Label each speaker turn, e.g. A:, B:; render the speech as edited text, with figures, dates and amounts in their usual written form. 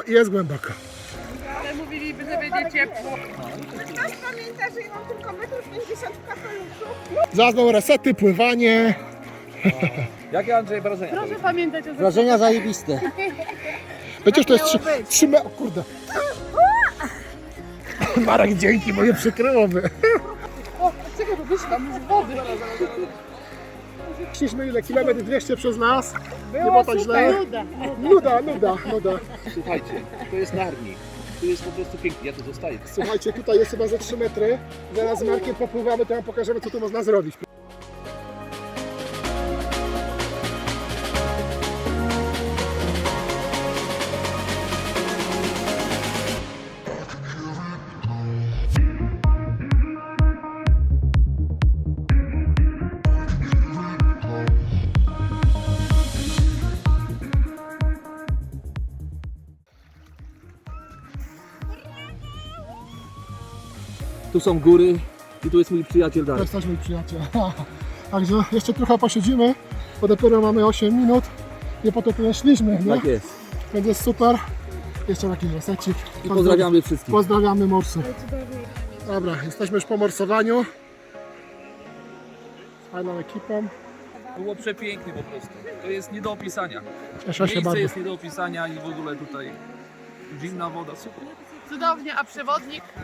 A: Jest głęboko.
B: Ale mówiliby, że będzie ciepło.
C: Ktoś pamięta, że ja mam tylko 1,50 m w kapeluszu?
A: Zaraz będą resety, pływanie.
D: Jakie, Andrzej, wrażenia?
B: Proszę pamiętać o
E: Wrażenia zajebiste.
A: Przecież to jest 3 metry. O kurde. Marek, dzięki, bo je przykryłoby.
B: O, czekaj, bo wyszłam tam z wody.
A: Szliśmy ile? Kilometr 200 przez nas. Nie było tak źle. Nuda.
D: Słuchajcie, to jest Narni. Tu jest po prostu pięknie, ja tu zostaję.
A: Słuchajcie, tutaj jest chyba ze 3 metry. Zaraz z Markiem popływamy, to wam pokażemy, co tu można zrobić.
D: Tu są góry i tu jest mój przyjaciel
A: To
D: Darek.
A: jest też mój przyjaciel. Także jeszcze trochę posiedzimy, bo dopiero mamy 8 minut. Nie po to tu szliśmy, nie?
D: Tak jest.
A: Będzie super. Jeszcze taki resecik.
D: I pozdrawiamy wszystkich.
A: Pozdrawiamy morsów. Dobra, jesteśmy już po morsowaniu. Z fajną ekipą.
D: Było przepięknie po prostu. To jest nie do opisania.
A: Cieszę się
D: Miejsce
A: bardzo.
D: jest nie do opisania i w ogóle tutaj zimna woda, super.
B: Cudownie, a przewodnik